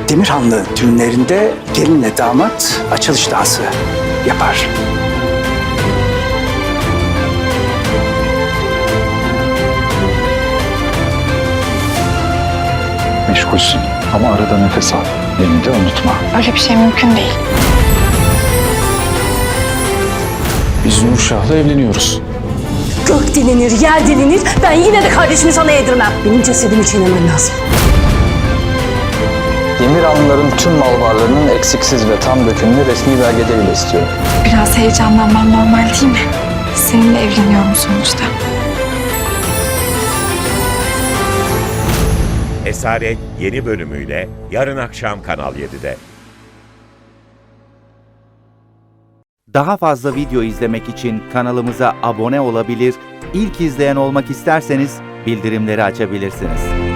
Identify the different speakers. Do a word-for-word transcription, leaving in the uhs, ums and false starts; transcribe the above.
Speaker 1: Demirhanlı düğünlerinde gelinle damat açılış dansı yapar.
Speaker 2: Meşgulsün ama arada nefes al. Beni de unutma.
Speaker 3: Öyle bir şey mümkün değil.
Speaker 2: Biz Nurşah'la evleniyoruz.
Speaker 4: Gök dilinir, yer dilinir. Ben yine de kardeşimi sana yedirmem. Benim cesedimi çiğnemen lazım.
Speaker 5: Demirhanlıların tüm mal varlığının eksiksiz ve tam dökümünü resmi belgeleriyle istiyorum.
Speaker 3: Biraz heyecanlanmam normal değil mi? Seninle evleniyorum sonuçta.
Speaker 6: Esaret yeni bölümüyle yarın akşam Kanal yedide.
Speaker 7: Daha fazla video izlemek için kanalımıza abone olabilir, ilk izleyen olmak isterseniz bildirimleri açabilirsiniz.